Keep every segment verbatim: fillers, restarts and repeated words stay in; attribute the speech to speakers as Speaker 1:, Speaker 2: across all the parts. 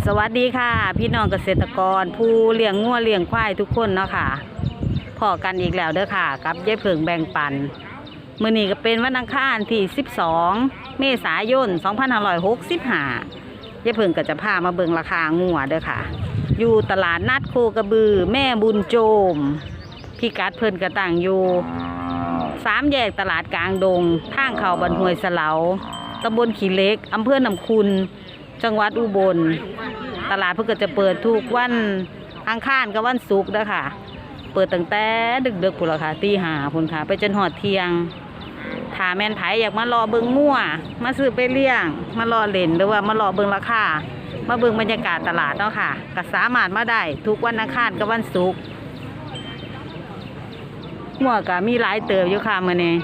Speaker 1: สวัสดีค่ะพี่น้องเกษตรกรผู้เลี้ยงงัวเลี้ยงควายทุกคนเนาะค่ะพอกันอีกแล้วเด้อค่ะกับยายเผิงแบ่งปันมื้อนี้ก็เป็นวันอังคารที่สิบสองเมษายนสองพันห้าร้อยหกสิบห้ายายเผิงก็จะพามาเบิ่งราคางัวเด้อค่ะอยู่ตลาดนัดโคกระบือแม่บุญโจมพี่กัดเพิ่นกระต่างอยู่สามแยกตลาดกลางดงทางเข้าบ้านห้วยสะเหลาตำบลขี้เหล็กอำเภอหนองคุณจังหวัดอุบลตลาดเพิ่งก็จะเปิดทุกวันอังคารกับวันศุกร์นะคะเปิดตั้งแต่ดึกๆพุ่นละค่ะตีห้าพุ่นค่ะไปจนหอดเที่ยงถ้าแม่นไผอยากมารอเบิ่งมั่วมาซื้อไปเลี้ยงมารอเล่นหรือว่ามารอเบิ่งราคามาเบิ่งบรรยากาศตลาดเนาะค่ะก็สามารถมาได้ทุกวันอังคารกับวันศุกร์มั่วก็มีหลายเติบอยู่ค่ะมื้อนี้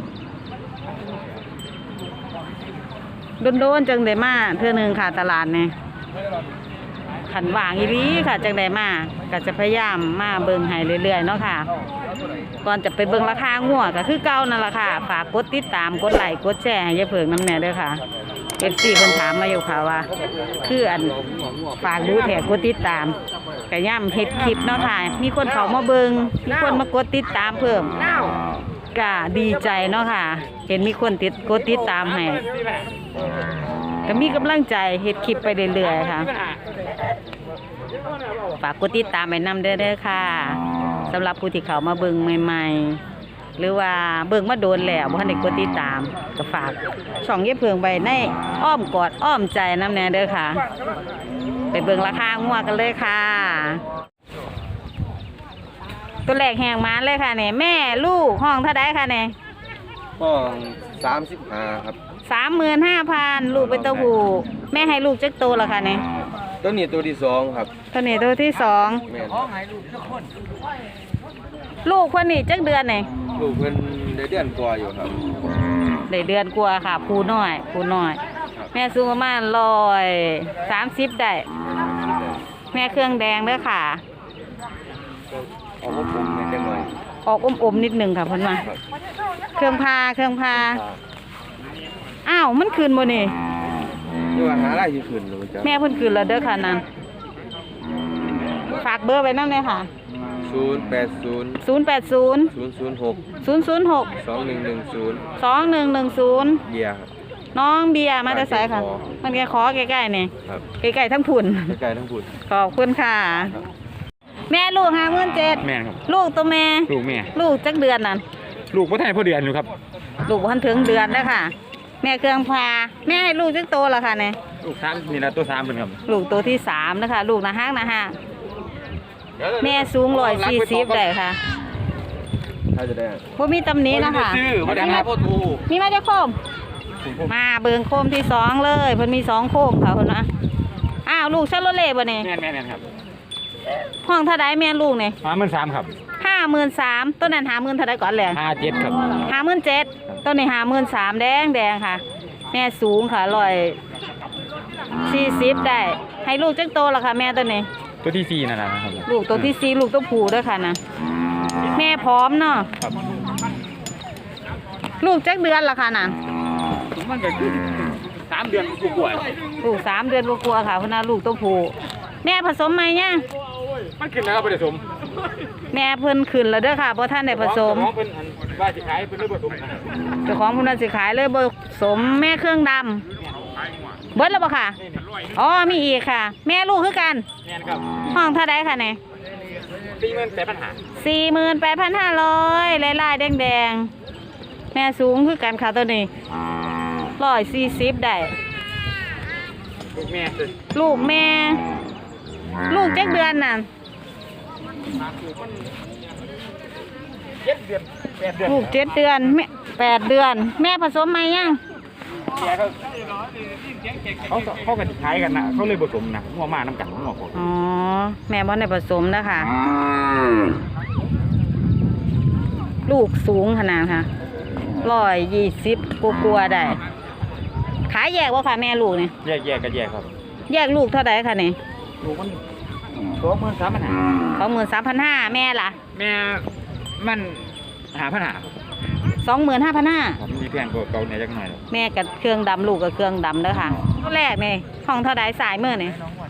Speaker 1: โดนๆจังได้มาเทื่อนึงค่ะตลาดเนี่ยขันว่างอีหลีค่ะจังได้มาก็จะพยายามมาเบิ่งให้เรื่อยๆเนาะค่ะก่อนจะไปเบิ่งราคางัวก็คือเก่านั่นแหละค่ะฝากกดติดตามกดไลค์กดแชร์ให้ยายเผิงน้ำแน่ด้วยค่ะ เอฟ ซี เพิ่นถามมาอยู่ค่ะว่าคืออันฝากดูแถกกดติดตามก็ย่ำเฮ็ดคลิปเนาะค่ะมีคนเข้ามาเบิ่งมีคนมากดติดตามเพิ่มก็ดีใจเนาะค่ะเห็นมีคนติดกดติดตามให้ก็มีกำลังใจเฮ็ดคลิปไปเรื่อยๆค่ะฝากกดติดตามไปนำเด้อๆค่ะสำหรับผู้ที่เข้ามาเบิ่งใหม่ๆหรือว่าเบิ่งมาโดนแล้วบ่ทันได้กดติดตามก็ฝากช่องยายเผิงไว้ในอ้อมกอดอ้อมใจนำแน่เด้อค่ะไปเบิ่งราคางัวกันเลยค่ะตัวแรกแหงมาเลยค่ะเนี่ยแม่ลูกห้องเท่าไดค่ะเนี่ย
Speaker 2: ห้องสามสิบห้าครับ
Speaker 1: สามหมื่นห้าพันลูกเป็นตัวผู้แม่ให้ลูกจักโตแล้วค่ะเนี่ย
Speaker 2: ตัวนี้ตัวที่สองครับ
Speaker 1: ตัวนี้ตัวที่สอง
Speaker 2: แม่
Speaker 1: ลูกคนนี้จักเดือนเนี่ย
Speaker 2: ลูกเพิ่นได้เดือนกว่าอยู่ครับ
Speaker 1: ได้เดือนกว่าค่ะผู้น้อยผู้น้อยแม่สูงประมาณร้อยสามสิบได้แม่เครื่องแดงเด้อค่ะ
Speaker 2: ออกอมๆนิดหน่อย
Speaker 1: ออกอมๆนิดหนึ่งค่ะเพิ่นมาเครื่องพาเครื่องพาอ้าวมันคืนบ่นี่
Speaker 2: นี่ว่าหาอะไรที่คืนรู้จัก
Speaker 1: แม่เพิ่นคืนแล้วเด้อค่ะนั่นฝากเบอร์ไว้นำเลยค่ะ
Speaker 2: ศูนย์ แปด ศูนย์
Speaker 1: ศูนย์ แปด ศูนย์
Speaker 2: ศูนย์ ศูนย์ หก
Speaker 1: ศูนย์ ศูนย์ หก
Speaker 2: สอง หนึ่ง หนึ่ง ศูนย์
Speaker 1: สอง หนึ่ง หนึ่ง ศูนย์
Speaker 2: เบียร์ครับ
Speaker 1: น้องเบียร์มาแต่ไสค่ะมันแค่ขอใกล้ๆนี่
Speaker 2: ครับ
Speaker 1: ใกล้ๆทั้งพุ่น
Speaker 2: ใกล้ๆทั้งพุ่น
Speaker 1: ขอบคุณค่ะแม่ลูกห้าหมื่นเจ็ด
Speaker 3: แม่ครับ
Speaker 1: ลูกตัวแม่
Speaker 3: ลูกแม่
Speaker 1: ลูกจักเดือนนั่น
Speaker 3: ลูกพ่อไทยพ่อเดือนอยู่ครับ
Speaker 1: ลูกพันถึงเดือนแล้วค่ะแม่เครื่องพาแม่ให้ลูกจักโตแล้วค่ะเนี่ย
Speaker 3: ลูกสามนี่นะตัวสามเป็นครับ
Speaker 1: ลูกตัวที่สามนะคะลูกนะฮักนะฮะแม่สูงร้อยสี่สิบได้ค่ะ
Speaker 2: ถ้าจะได้
Speaker 1: บ่มีตำหนินะคะ
Speaker 2: มาดังนะพ่อทู
Speaker 1: มีมาจะโคมมาเบิ่งโคมที่สองเลยเพิ่นมีสองโคมค่ะเพิ่นนะอ้าวลูกชาโลเล่บ่เนี่ย
Speaker 3: แม่แม่แม่ครับ
Speaker 1: ห้องเท่าไดแม่ลูกเนี่ย
Speaker 3: ห้าหมื่นสามครับ
Speaker 1: ห้าหมื่นสามต้นนั้นห้าหมื่นเท่าไดก่อนแหละ
Speaker 3: ห้าเจ็ดครับ
Speaker 1: ห้าหมื่นเจ็ดต้นนี้ห้าหมื่นสามแดงแดงค่ะแม่สูงค่ะร้อยสี่สิบได้ให้ลูกจักโตแล้วค่ะแม่ตัวนี้
Speaker 3: ตัวที่สี่นั่นแหละครับ
Speaker 1: ลูกตัวที่สี่ลูกตัวผู้ด้วยค่ะนะแม่พร้อมเนาะลูกจักเดือนละค่ะน่ะ
Speaker 3: มันก็คือสามเดือนกว่า
Speaker 1: ลูกสามเดือนกว่าค่ะเพราะน่ะลูกตัวผู้แม่ผสมไหมเนี่ย
Speaker 3: มันขึ้นแล้วผสม
Speaker 1: แม่เพิ่นขึ้นแล้วเด้อค่ะเพราะท่านได้ผสม
Speaker 3: เพิ่นว่าสิขายเพิ่นเลยผสม
Speaker 1: เจ้าของเพิ่นสิขายเลยผสมแม่เครื่องดำเบิดแล้วบ่ค่ะอ๋อมีอีกค่ะแม่ลูกคือกัน
Speaker 3: แม่นครับ
Speaker 1: ห้องเท่าใดค่ะเนี่ย
Speaker 3: สี่หมื่นแปดพันห้า
Speaker 1: สี่หมื่นแปดพันห้าร้อยลายลายแดงแดงแม่สูงคือกันค่ะตัวนี้ร้อยสี่สิบได้
Speaker 3: ลูกแม่
Speaker 1: ลูกแม่ลูกเจ็ดเดือนน่ะ
Speaker 3: เจ็ดเดือนแปดเดือน
Speaker 1: ลูกเจ็ดเดือนแม่แปดเดือนแม่ผสมไหมยัง
Speaker 3: เขาเขากันขายกันนะเขาเลยผสมนะงัวมาน้ำกันงัวผสม
Speaker 1: อ๋อแม่บอลในผสมนะคะลูกสูงขนาดค่ะร้อยยี่สิบกลัวๆได้ขายแยกว่าค่ะแม่ลูกเนี่ย
Speaker 3: แยกแยกกันแยกครับ
Speaker 1: แยกลูกเท่าไหร่ค่ะเนี่ย
Speaker 3: ลูกมันสองหมื่นสามพันห้า
Speaker 1: สองหมื่นสามพันห้าแม่ล่ะ
Speaker 3: แม่มันหาพันหา
Speaker 1: สองหมื่นห้าพันห้า
Speaker 3: มีแพงกว่าเก่าเนี่ยจักหน่อย
Speaker 1: แม่กับเครื่องดำลูกกับเครื่องดำเด้อค่ะตัวแรกนี่ห้องเท่าใดสายเมื่อนี่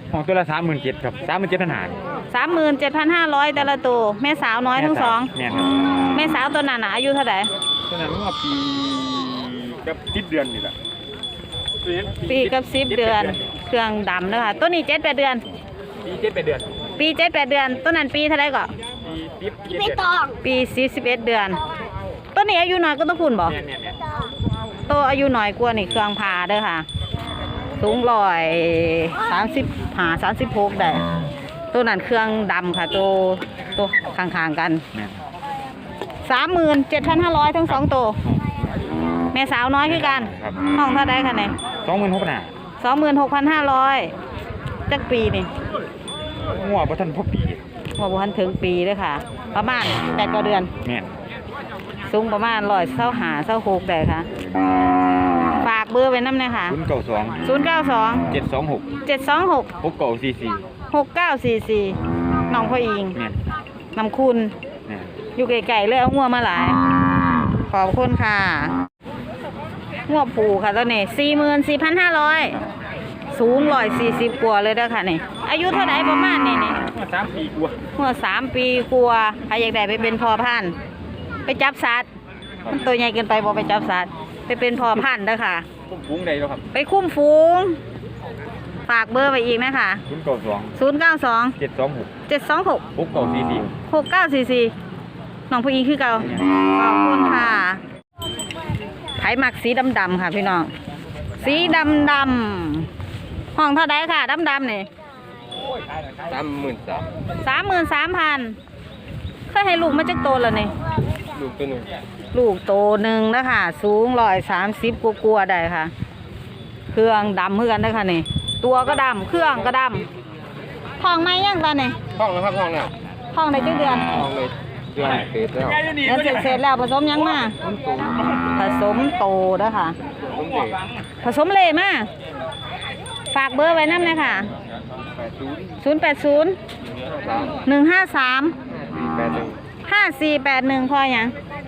Speaker 3: ของตัวละสามหมื่นเจ็ดครับสามหมื่นเจ็ดพันหา
Speaker 1: สามหมื่นเจ็ดพันห้าร้อยแต่ละตัวแม่สาวน้อยทั้งสอง
Speaker 3: แม่นครับ
Speaker 1: แม่สาวตัวนั้นน่ะอายุเท่าไหร่
Speaker 3: ตัวนั้นว่าปีกับสิบเดือนนี่แหละ
Speaker 1: ปีกับสิบเดือนเครื่องดำนะคะตัวนี้เจ็ดแปดเดือน
Speaker 3: ปีเจ็ดแปดเดือน
Speaker 1: ปีเจ็ดแปดเดือนตัวนั้นปีเท่าไหร่ก็
Speaker 3: ปีสิบเจ็ดเดือน
Speaker 1: ปีสี่สิบเอ็ดเดือนตัวนี้อายุน้อยก็ต้องคุณบ่
Speaker 3: เนี่ยเนี่ยเนี่ย
Speaker 1: ตัวอายุน้อยกว่านี่เครื่องพาเด้อค่ะสูงร้อยสามสิบหาสามสิบหกได้ตัวนั้นเครื่องดำค่ะตัวตัวข้างๆกัน
Speaker 3: แม่น
Speaker 1: สามหมื่นเจ็ดพันห้าร้อยทั้งสองตัวแม่สาวน้อยคือกัน
Speaker 3: ครับ
Speaker 1: ห้องเท่าไดคะเนี่ย
Speaker 3: สองหมื่นหกพันหา
Speaker 1: สองหมื่นหกพันห้าร้อยจักปีนี่
Speaker 3: งัวบ่ทันพอปี
Speaker 1: หัวบุหันถึงปีเลยค่ะ ประมาณแปดกว่าเดือน
Speaker 3: แม่น
Speaker 1: สูงประมาณร้อยเส้าหาเส้าหกได้ค่ะ ฝากเบอร์ไว้น้ำเลยค่ะ
Speaker 3: ศูนย์เก้าสอง
Speaker 1: ศูนย์เก้าสอง
Speaker 3: เจ็ดสองหก
Speaker 1: เจ็ดสองหก
Speaker 3: หกเก้าสี่สี่
Speaker 1: หกเก้าสี่สี่น้องพ่ออิง
Speaker 3: แม่น
Speaker 1: นำคุณ
Speaker 3: แม่น
Speaker 1: อยู่ไกลๆเลยเอางัวมาหลาย ขอบคุณค่ะงัวผูค่ะตัวนี้สี่หมื่นสี่พันห้าร้อยสูงร้อยสี่สิบกว่าเลยเด้อค่ะนี่อายุเท่าไหร่ประมาณนี่นี่
Speaker 3: สามปีกว่า
Speaker 1: หัวสามปีกลัวใครอยากได้ไปเป็นพ่อพันธุ์ไปจับสัตว์มันตัวใหญ่เกินไปบอกไปจับสัตว์ไปเป็นพ่อพันธุ์เด้อค่ะ
Speaker 3: ผมฟุ้งได้แล้วครับ
Speaker 1: ไปคุ้มฝูง ฝากเบอร์ไปอีกนะคะ
Speaker 3: ศูนย์เก้าสอง
Speaker 1: ศูนย์เก้าสอง
Speaker 3: เจ็ดสองหก
Speaker 1: เจ็ดสองหก
Speaker 3: หกเก้าสี่สี่
Speaker 1: หกเก้าสี่สี่น้องผู้หญิงคือเก่าขอบคุณค่ะไผหมักสีดำๆค่ะพี่น้องสีดำดำห้องเท่าไดค่ะดำดำนี่
Speaker 2: สามหมื่นสาม
Speaker 1: สามหมื่นสามพันเคยให้ลูกมาจักโตแล้วนี่
Speaker 2: ลูกตัวหนึ่ง
Speaker 1: ลูกโตหนึ่งนะคะสูงร้อยสามสิบกลัวาๆได้ค่ะ เครื่องดำเพื่อนได้อค่ะนี่ ตัวก็ดำเครื่องก็ดำท้องไหมยังตอนนี้
Speaker 2: ห้องนะครับห้องแล้ว
Speaker 1: ท้องในจักเดือน
Speaker 2: ห้องเลยเดือนเศษแล้ว
Speaker 1: เดือนเสร็จๆแล้วผสมยังมา
Speaker 2: ต้นโต
Speaker 1: ผสมโตเด้อค่ะ
Speaker 2: ต้นเด็ก
Speaker 1: ผสมเลยมาฝากเบอร์ไว้น้ำเลยค่ะ
Speaker 2: แปดศูนย์
Speaker 1: ศูนย์แปดศูนย์
Speaker 2: สาม
Speaker 1: หนึ่งห้าสาม
Speaker 2: แปดหนึ่ง
Speaker 1: ห้าสี่แปดหนึ่งพออย่าง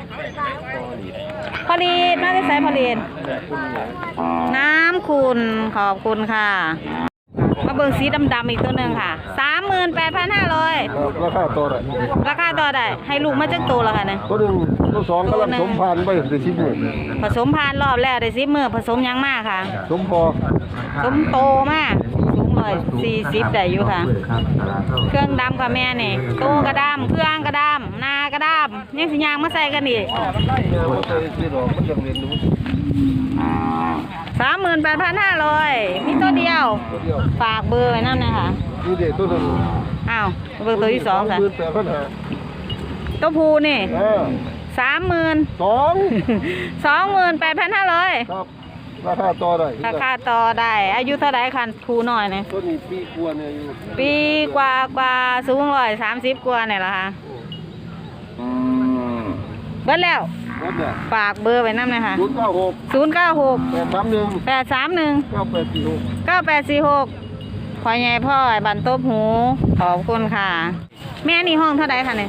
Speaker 1: พอดีน่าจะใส่พอดี
Speaker 2: คุณหลาน
Speaker 1: น้ำคุณขอบคุณค่ะ มาเบิ่งสีดำๆอีกตัวหนึ่งค่ะสามหมื่นแปดพันห้าร้อย
Speaker 4: ราคาตัวไหน
Speaker 1: ราคาต่อได้ให้ลูกมาจักตัวแล้วค่ะเนี่ย
Speaker 4: ตัวหนึ่งตัวสองกำลังสมพันธุ์ไปได้สิบหมื่น
Speaker 1: ผสมพันธุ์รอบแรกได้สิบมือผสมยังมากค่ะ
Speaker 4: สมพอ
Speaker 1: สมโตมากสูงร้อยสี่สิบได้อยู่ค่ะ เครื่องดำค่ะแม่นี่โตกระดำเครื่องกระดำนากระดำยังสิยางมาใส่กันอีก
Speaker 4: มันเคยซื้อหรอกมันยังเรียนรู้
Speaker 1: สามหมื่นแปดพันห้าร้อยมีตัวเดียว
Speaker 4: ตัวเดียว
Speaker 1: ฝากเบอร์ไว้นั่นนะคะ
Speaker 4: นี่เด็กตัวหนึ่ง
Speaker 1: อ้าวเบอร์ตัวที่สองค่ะ
Speaker 4: หมื่นแปดพันห้า
Speaker 1: ตัวผูนี่
Speaker 4: เออ
Speaker 1: สามหมื่น
Speaker 4: สอง
Speaker 1: สองหมื่นแปดพันห้าร้อย
Speaker 4: ครับราคาต่อได้
Speaker 1: ราคาต่อได้ อายุเท่าไหร่คันผูหน่อยเนี่ย
Speaker 4: ตัวนี้ปีกว่าเนี่ยอยู่
Speaker 1: ปีกว่ากว่าสูงร้อยสามสิบกว่าเนี่ยละค่ะเบิดแล้ว
Speaker 4: รถเนี่ย
Speaker 1: ฝากเบอร์ไว้นั่นนะคะ
Speaker 4: ศูนย์เก้าหก
Speaker 1: ศูนย์เก้าหก
Speaker 4: แปดสามหนึ่ง
Speaker 1: แปดสามหนึ่ง
Speaker 4: เก้าแปดสี่หก
Speaker 1: เก้าแปดสี่หกพ่อใหญ่พ่อไอ้บันโต๊บหูขอบคุณค่ะ แม่นี่ห้องเท่าไหร่คะเนี่ย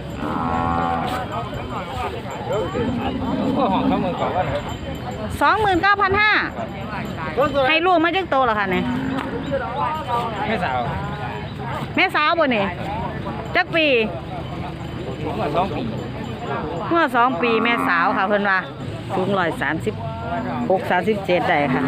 Speaker 3: ก็ห้องสองหมื่นกว่าว่า
Speaker 1: สองหมื่นเก้าพันห้าให้ลูกมาจักโตเหรอคะเนี่ย
Speaker 3: ไม่สาว
Speaker 1: แม่สาวบ่เนี่ยจักปี
Speaker 3: ผมว่าสองปี
Speaker 1: เมื่อสองปีแม่สาวค่ะเพิ่นว่าสูงร้อยสามสิบหกสามสิบเจ็ดได้ค่ะ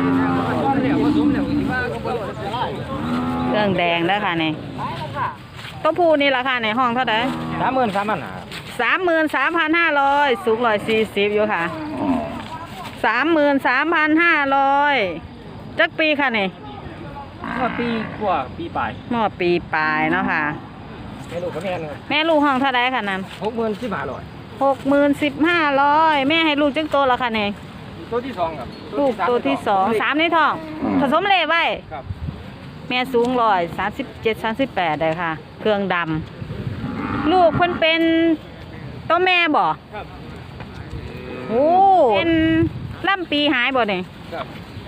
Speaker 1: เครื่องแดงแล้วค่ะเนี่ยตัวผู้นี่ราคาในห้องเท่าไหร่
Speaker 3: สามหมื่นสามพันหา
Speaker 1: สามหมื่นสามพันห้าร้อยสูงร้อยสี่สิบอยู่ค่ะสามหมื่นสามพันห้าร้อยจักปีค่ะเนี่ย
Speaker 3: ก็ปีกว่าปีปลาย
Speaker 1: หม้อปีปลายเนาะค่ะ
Speaker 3: ไม่รู้เขาแม่นครับ
Speaker 1: แม่ลูกห้องเท่าไหร่ค่ะนั้น
Speaker 3: หกหมื่นสิบห้าร้อย
Speaker 1: หกหมื่นสิบห้าร้อยแม่ให้ลูกจักโตแล้วค่ะเนี่ย
Speaker 3: ตัวที่สองครับ
Speaker 1: ลูกตัวที่สองสามในท้อง ผสมเลไว้
Speaker 3: ครับ
Speaker 1: แม่สูงร้อยสามสิบเจ็ดสามสิบแปดเลยค่ะ เครื่องดำลูกเพิ่นเป็นตัวแม่บ่
Speaker 3: ครับ
Speaker 1: โอ้เป็นล่ำปีหายบ่เนี่ย
Speaker 3: ครับ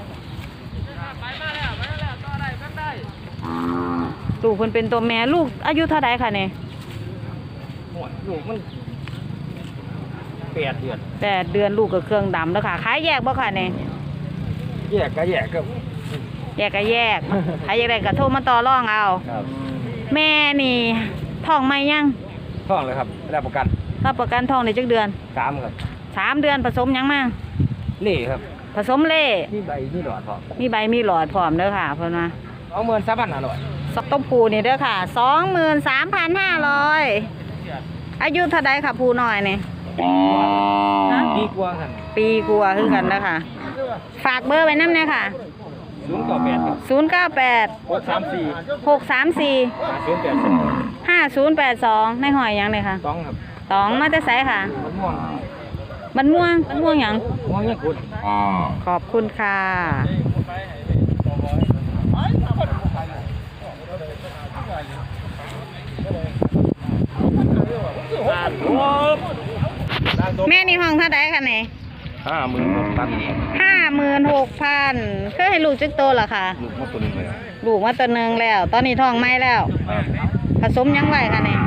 Speaker 1: ลูกเพิ่นเป็นตัวแม่ลูกอายุเท่าไรค่ะเนี่ย
Speaker 3: หัวลูกมันแปดเดือน
Speaker 1: แปดเดือนลูกกับเครื่องดำแล้วค่ะขายแยกบ่ค่ะเนี่ย
Speaker 3: แยกก็แยกก็
Speaker 1: แยกก็แยกใครอยากได้ก็โทรมาต่อรองเอา
Speaker 3: ครับ
Speaker 1: แม่นี่ท้องไหมยัง
Speaker 3: ท่องเลยครับได้ประกัน
Speaker 1: รับประกันท้องในจักเดือน
Speaker 3: สามครับ
Speaker 1: สามเดือนผสมยังมา
Speaker 3: เล่ครับ
Speaker 1: ผสมเล่
Speaker 3: มีใบมีหลอดพร้อม
Speaker 1: มีใบมีหลอดพร้อมเด้อค่ะเพิ่นว่า
Speaker 3: เอาเงินสามพันห้าร้อย
Speaker 1: สต้มปูนี่เด้อค่ะสองหมื่นสามพันห้าร้อยอายุเท่าใดค่ะปูน้อยนี่ฮะ
Speaker 3: ดีกว่ากัน
Speaker 1: ปีกลัวาคือกันแล้วค่ะ ฝากเบอร์ไว้น้ำเนี่ยค่ะ
Speaker 3: ศูนย์ต่อแปดครับ
Speaker 1: ศูนย์เก้าแปด
Speaker 3: หกสามสี่
Speaker 1: หกสามสี่
Speaker 3: ห้าศูนย์แปดสอง
Speaker 1: ห้าศูนย์แปดสองในหอยหยังเลยค่ะ
Speaker 3: ต้องครับ
Speaker 1: ตองมาจะใส่ค่ะ
Speaker 3: มันม่วง
Speaker 1: บันม่วงบันม่วงหยัง
Speaker 3: ม่วงยังกุด
Speaker 1: ขอบคุณค่ะ แม่นี่ห้องเท่าไดค่ะเนี่ย
Speaker 2: ห้าหมื่นหกพัน
Speaker 1: ห้าหมื่นหกพันเคยให้ลูกจึกโตเหรอคะ
Speaker 2: ลูกมาตัวหนึงเลย
Speaker 1: ลูกมาตัวหนึ่งแล้ว ตอนนี้ท้องไม่แล้ว ผสมยังไหวค่ะเนี่ย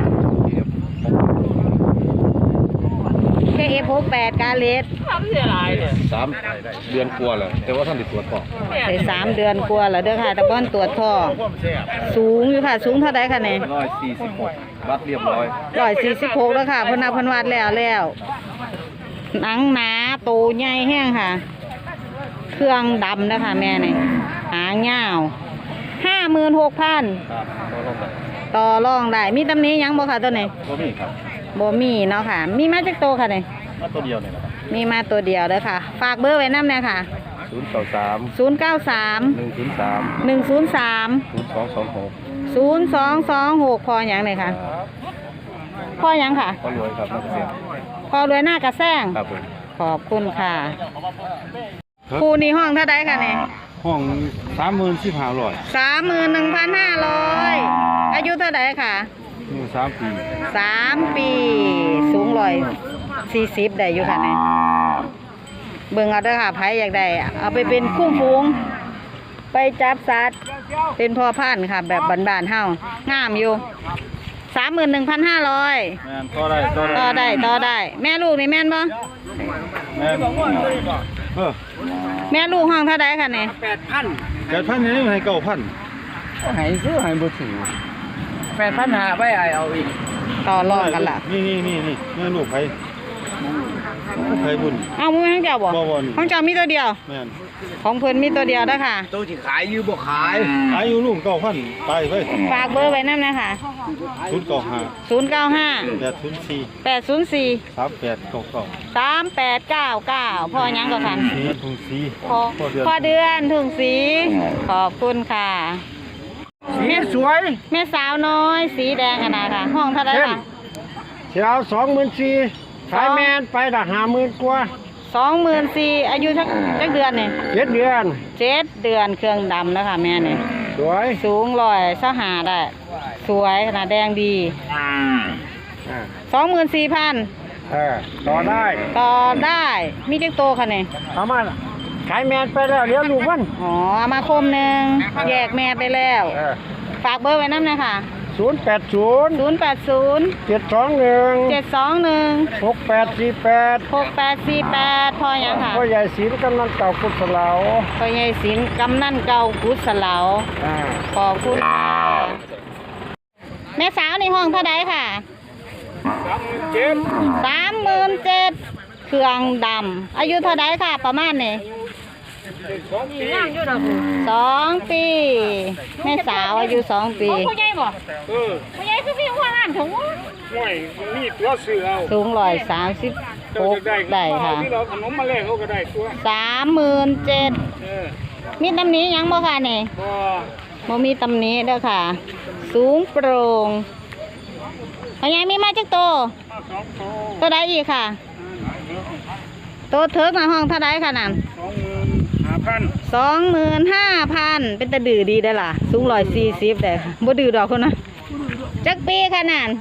Speaker 1: เคเอฟหกแปดกาเลส
Speaker 2: สามเดือนกลัวาแล้วแต่ว่าท่านติดตรวจก่อน
Speaker 1: ได้สามเดือนกว่าแล้วเด้อค่ะแต่บ้านตรวจท้องสูงอยู่ค่ะ สูงเท่าไดค่ะเนี่ย
Speaker 2: ร้อยสี่สิบหกวัดเรียบร้อย
Speaker 1: ร้อยสี่สิบหกแล้วค่ะเพนนับเพนวัดแล้วแล้วหนังหนาโตใหญ่แห้งค่ะ เครื่องดำนะคะแม่นี่หางยาวห้าหมื่นหกพัน
Speaker 2: ครับก็ลงไป
Speaker 1: ต่อรองได้มีตำหนี้ยังบ่ค่ะตัวนี้
Speaker 2: ก็มีครับ
Speaker 1: บ่มีเนาะค่ะ มีมาจากโตค่ะเนี่ย
Speaker 2: มาตัวเดียวเนี่ยนะครับ
Speaker 1: มีมาตัวเดียวเด้อค่ะ ฝากเบอร์ไว้น้ำเนี่ยค่ะ
Speaker 2: ศูนย์เก้าสาม
Speaker 1: ศูนย์เก้าสาม
Speaker 2: หนึ่งศูนย์สาม
Speaker 1: หนึ่งศูนย์สาม
Speaker 2: ศูนย์สองสองหก
Speaker 1: ศูนย์สองสองหกพออย่างเลยค่ะพออย่างค่ะ
Speaker 2: ก็รวยครับนักเกษตร
Speaker 1: พอรวยหน้ากระแซง
Speaker 2: ครับผม
Speaker 1: ขอบคุณค่ะครูนี่ห้องเท่าไดค่ะเนี่ย
Speaker 4: ห้องสามหมื่นสิบห้าร้อย
Speaker 1: สามหมื่นหนึ่งพันห้าร้อยอายุเท่าไดค่ะ
Speaker 4: นี่สามปี
Speaker 1: สามปี สูงร้อยสี่สิบได้อยู่ค่ะเนี่ยเบิ่งเอาเด้อค่ะไผอยากได้เอาไปเป็นคุ้มฟูง ไปจับสัตว์เป็นพ่อพันธุ์ค่ะ แบบบ้านๆเฮางามอยู่สามหมื่นหนึ่งพันห้าร้อย
Speaker 4: แม่นต่อได้ต่อ
Speaker 1: ต่อ
Speaker 4: ได้
Speaker 1: ได้ต่อได้ แม่ลูกนี่แม่นบ่
Speaker 4: แม่นเออ
Speaker 1: แม่ลูกห้องเท่าไดค่ะเนี่ย
Speaker 3: แปดพัน
Speaker 4: แปดพันนี่ให้เก้าพัน
Speaker 3: หายซื้อหายบ่ถือแปดพันหาไปเอาอีก
Speaker 1: ต่อรองกันล่ะ
Speaker 4: นี่นี่นี่นี่แม่ลูกไผไผบุญ
Speaker 1: เอามือให้เจ้าบ่
Speaker 4: บ่บ่นี่
Speaker 1: ของเจ้ามีตัวเดียว
Speaker 4: แม่น
Speaker 1: ของเพิ่นมีตัวเดียวเด้อค่ะ
Speaker 3: ตัวที่ขายอยู่บ่ขาย
Speaker 4: อายุลูกเก้าพันไปไป
Speaker 1: ฝากเบอร์ไว้นำนะคะ
Speaker 4: ศูนย์เก้าห้า
Speaker 1: ศูนย์เก้าห้า
Speaker 4: แปดศูนย์สี่
Speaker 1: แปดศูนย์สี่
Speaker 4: สามแปดเก้าเก้า
Speaker 1: สามแปดเก้าเก้าพ่อยังก็ค่ะ
Speaker 4: สีทุ่งสี
Speaker 1: พ่อพ่อเดือนถุงสี ขอบคุณค่ะ
Speaker 3: สีสวย
Speaker 1: แม่สาวน้อย สีแดงกันนะค่ะ ห้องเท่าไหรค่ะ
Speaker 3: เสียวสองหมื่นสี่ขายแมนไปละห้าหมื่นกว่า
Speaker 1: สองหมื่นสี่อายุสักสักเดือนเนี่ย
Speaker 3: เจ็ดเดือน
Speaker 1: เจ็ดเดือนเครื่องดำแล้วค่ะแม่เนี่ย
Speaker 3: สวย
Speaker 1: สูงร้อยสหาได้ สวยขนาดแดงดี
Speaker 3: อ่า
Speaker 1: สองหมื่นสี่พัน
Speaker 3: เออต่อได้
Speaker 1: ต่อได้มีจักโตค่ะเนี่ย
Speaker 3: เอามาขายแมนไปแล้วเลี้ยงลูกมัน
Speaker 1: อ๋อเอามาคมหนึ่งแยกแม่ไปแล้ว
Speaker 3: เออ
Speaker 1: ฝากเบอร์ไว้น้ำเลยค่ะ
Speaker 3: ศูนย์แปดศูนย์
Speaker 1: ศูนย์แปดศูนย์
Speaker 3: เจ็ดสองหนึ่ง
Speaker 1: เจ็ดสองหนึ่ง
Speaker 3: หกแปดสี่แปด
Speaker 1: หกแปดสี่แปดพออย่างค่ะ
Speaker 3: พ่อใหญ่ศรีกำนันเก่ากุศลา
Speaker 1: พ่อใหญ่ศิลป์กำนันเก่ากุศลา
Speaker 3: อ่า
Speaker 1: ขอบคุณค่ะแม่สาวในห้องเท่าไดค่ะ
Speaker 3: เจ็ด
Speaker 1: สามหมื่นเจ็ดเครื่องดำอายุเท่าไดค่ะ ประมาณนี้
Speaker 3: สองปี
Speaker 1: สองปีแม่สาวอายุสองปี
Speaker 5: ผู้ใหญ่บ่
Speaker 3: เออ
Speaker 5: ผู้ใหญ่คือพี่หัวงานถุง
Speaker 3: ห่วยมีตัวเสือเอา
Speaker 1: สูงร้อยสามสิบหกได้ค่ะ
Speaker 3: ที่เราขนมมาแลกเขาก็ได้ตัว
Speaker 1: สามหมื่นเจ็ด
Speaker 3: เออ
Speaker 1: มีตำหนี้ยังบ่ค่ะนี่
Speaker 3: พอ
Speaker 1: บ่มีตำหนี้เด้อค่ะ สูงโปร่งพ่อใหญ่มีมาจักโต
Speaker 3: สองโต
Speaker 1: ตัวใดอีกค่ะ โตเถิกในห้องเท่าใดค่ะนั่น
Speaker 3: สองหมื่นห้าพัน
Speaker 1: สองหมื่นห้าพันเป็นตะดื้อดีได้อล่ะ สูงร้อยสี่สิบได้ค่ะบ่ดื้อดอกคนนะจักปีค่ะนั่น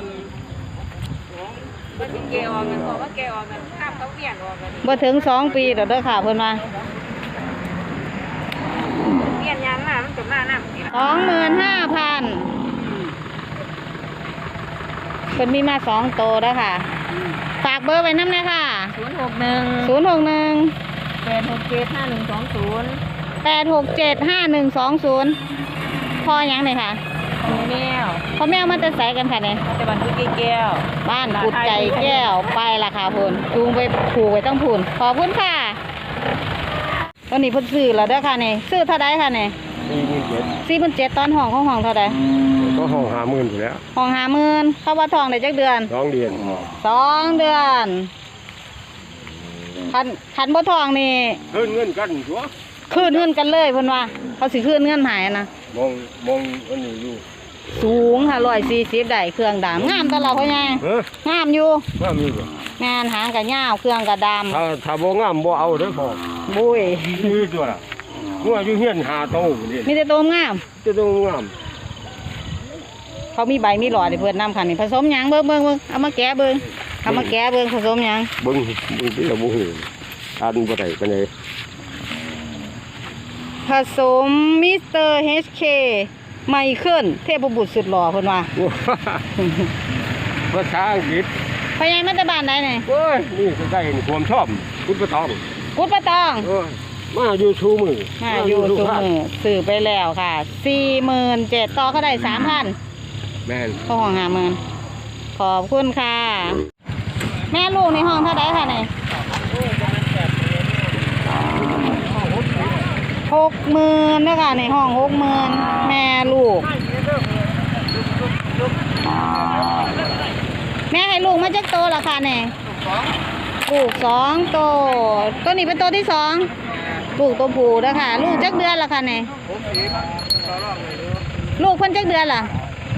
Speaker 5: เกออกเงินบอกว่าแกออกเงินข้ามเขาเปลี่ยนออกเงิน
Speaker 1: บ่ถึงสองปีดอกเด้อค่ะเพิ่นว่า
Speaker 5: เปลี่ยนยันมามันจบหน้าหน้าสิ
Speaker 1: สองหมื่นห้าพันเพิ่นมีมาสองโตแล้วค่ะ ฝากเบอร์ไว้น้ำเลยค่ะ
Speaker 5: ศูนย์หกหนึ่ง
Speaker 1: ศูนย์หกหนึ่ง
Speaker 5: แปดหกเจ็ดห้าหนึ่งสองศูนย์
Speaker 1: แแปดหกเจ็ดห้าหนึ่งสองศูนย์พ่อยังเลยค่ะ
Speaker 5: แมว
Speaker 1: พ่อแม่มาจะใส่กันค่ะเนี่ย
Speaker 5: แต่มันคือแก้ว
Speaker 1: บ้านกุดใจแก้วไปละค่ะพูนจูงไปผูกไว้ต้องพูนขอบคุณค่ะตอนนี้เพิ่นซื้อแล้วเด้อค่ะเนี่ยซื้อเท่าไดค่ะเนี่ย
Speaker 3: สี่หมื่นเจ็ด
Speaker 1: สี่พันเจ็ดตอนห้องของห้องเท่าได
Speaker 3: ก็ห้องหาหมื่นอยู่แล้ว
Speaker 1: ห้องหาหมื่นเข้าว่าทองได้จักเดือน
Speaker 3: สองเดือน
Speaker 1: สองเดือนคันคันบ่ทองนี่
Speaker 3: เงินเงินกันชัว
Speaker 1: คืนเงินกันเลยเพิ่นว่า เขาสิคืนเงินหายนะ
Speaker 3: มองมองอันนี้อยู่
Speaker 1: สูงค่ะร้อยสี่สิบได้เครื่องดำงามตลอดพ่อใหญ่
Speaker 3: เฮ้ย
Speaker 1: งามอยู่
Speaker 3: ว่ามีบ่
Speaker 1: งานหางกับยาวเครื่องกับด
Speaker 3: ถ้าถ้าบ่งามบ่เอาเด้อพ่อ
Speaker 1: ำบุ้ย
Speaker 3: มีตัวละงัวอยู่เฮียนหาโตนี่
Speaker 1: มีแต่ตัวงาม
Speaker 3: จะต้องงาม
Speaker 1: เขามีใบมีหลอดให้เพิ่นนำค่ะนี่ผสมหยังเบิ่งเบิ่งเบิ่งเอามาแกะเบิ่งเอามาแกะเบิ่งผสมหยัง
Speaker 3: เบิ่งเบิ่งที่เราบ่เห็นอ่านบ่ได้ปานใด
Speaker 1: ผสมมิสเตอร์เฮชเคไมเคิลเทพบุตรสุดหล่อเพิ่นว่า
Speaker 3: ภาษาอังกฤษ
Speaker 1: พ่อใหญ่มาแต่บ้านใดนี่
Speaker 3: โอ้ยนี่ก็ได้นี่ความชอบคุณประตอง
Speaker 1: กุดปะตอง
Speaker 3: โอ้ยมาอยู่ชูมือ
Speaker 1: มาอยู่ซุมือซื้อไปแล้วค่ะสี่หมื่นเจ็ดต่อก็ได้สามพัน
Speaker 3: แม่น
Speaker 1: ก็ห้องห้าหมื่นขอบคุณค่ะ แม่ลูกในห้องเท่าไดค่ะนี่หกหมื่นนะคะในห้องหกหมื่นแม่ลูก แม่ให้ลูกมาจากโตละค่ะเนี่ยลูกสองโตตัวนี้เป็นโตที่สองลูกตัวผู้นะคะลูกจักเดือนละค่ะเนี่ยลูกเพิ่นจักเดือนล่ะ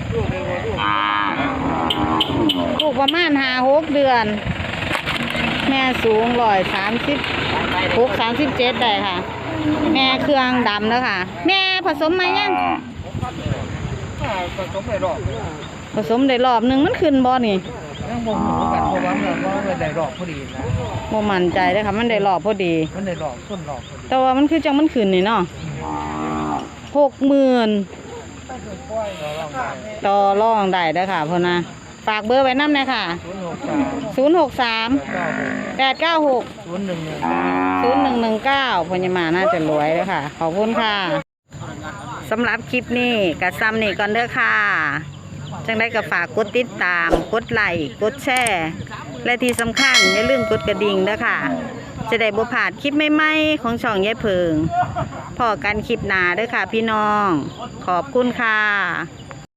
Speaker 1: ลูกประมาณห้าหกเดือน แม่สูงร้อยสามสิบหกสามสิบเจ็ดได้ค่ะ แม่เครื่องดำแล้วค่ะ แม่ผสมมายัง
Speaker 2: ผสมไปรอบ
Speaker 1: ผสมได้รอบหนึ่งมันขึ้นบ่นี่
Speaker 2: ยังบ่หูกันเพราะว่ามันว่าได้รอบพอดีนะ
Speaker 1: บ่มั่นใจเลยค่ะมันได้รอบพอดี
Speaker 2: มันได้รอบต้นรอบพอดี
Speaker 1: แต่ว่ามันคือจังมันขึ้นนี่เนาะหกหมื่นต่อรองได้เด้อค่ะพ่อนะฝากเบอร์ไว้น้ำเลยค่ะ
Speaker 2: ศูนย์หกสาม
Speaker 1: ศูนย์หกสาม
Speaker 2: เก้าหก
Speaker 1: แปดเก้าหก
Speaker 2: ศูนย์หนึ่งหนึ่ง
Speaker 1: ศูนย์หนึ่งหนึ่งเก้าพญามาน่าจะรวยเลยค่ะ ขอบคุณค่ะสำหรับคลิปนี้กับซ้ำนี่ก่อนเด้อค่ะ จังได้ก็ฝากกดติดตาม กดไลค์กดแชร์และที่สำคัญอย่าลืมกดกระดิ่งเด้อค่ะ จะได้บ่พลาดคลิปใหม่ๆของช่องยายเพิงพอกันคลิปหน้าเด้อค่ะพี่น้อง ขอบคุณค่ะ